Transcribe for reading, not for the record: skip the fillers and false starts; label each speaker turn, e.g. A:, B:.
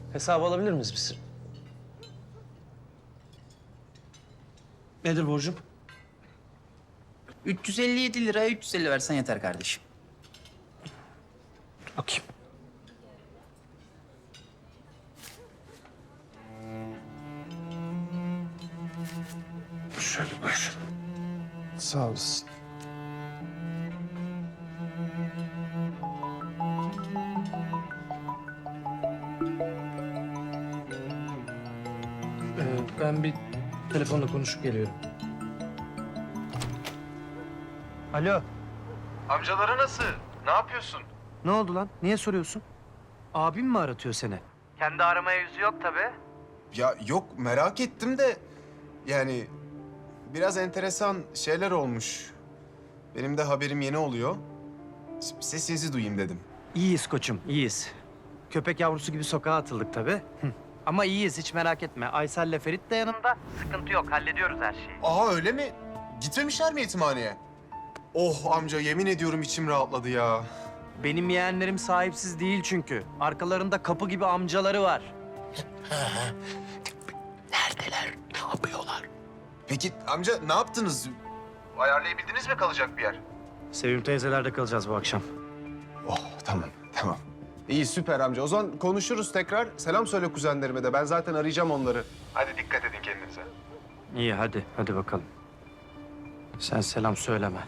A: Hesabı alabilir miyiz biz? Nedir borcum?
B: 357 liraya 350 versen yeter kardeşim.
A: Bakayım. Şöyle buyur. Sağ olasın. Ben bir telefonla konuşup geliyorum. Alo.
C: Amcaları nasıl? Ne yapıyorsun?
A: Ne oldu lan? Niye soruyorsun? Abim mi aratıyor seni? Kendi aramaya yüzü yok tabii.
C: Ya yok merak ettim de yani biraz enteresan şeyler olmuş. Benim de haberim yeni oluyor. Sesinizi duyayım dedim.
A: İyiyiz koçum, iyiyiz. Köpek yavrusu gibi sokağa atıldık tabii. Ama iyiyiz, hiç merak etme. Aysel'le Ferit de yanımda. Sıkıntı yok, hallediyoruz her şeyi.
C: Aa öyle mi? Gitmemişler mi yetimhaneye? Oh amca yemin ediyorum içim rahatladı ya.
A: Benim yeğenlerim sahipsiz değil çünkü. Arkalarında kapı gibi amcaları var.
C: Peki amca ne yaptınız? Ayarlayabildiniz mi kalacak bir yer?
A: Sevim teyzelerde kalacağız bu akşam.
C: Oh tamam tamam. İyi süper amca. O zaman konuşuruz tekrar. Selam söyle kuzenlerime de. Ben zaten arayacağım onları. Hadi dikkat edin kendinize.
A: İyi hadi bakalım. Sen selam söyleme.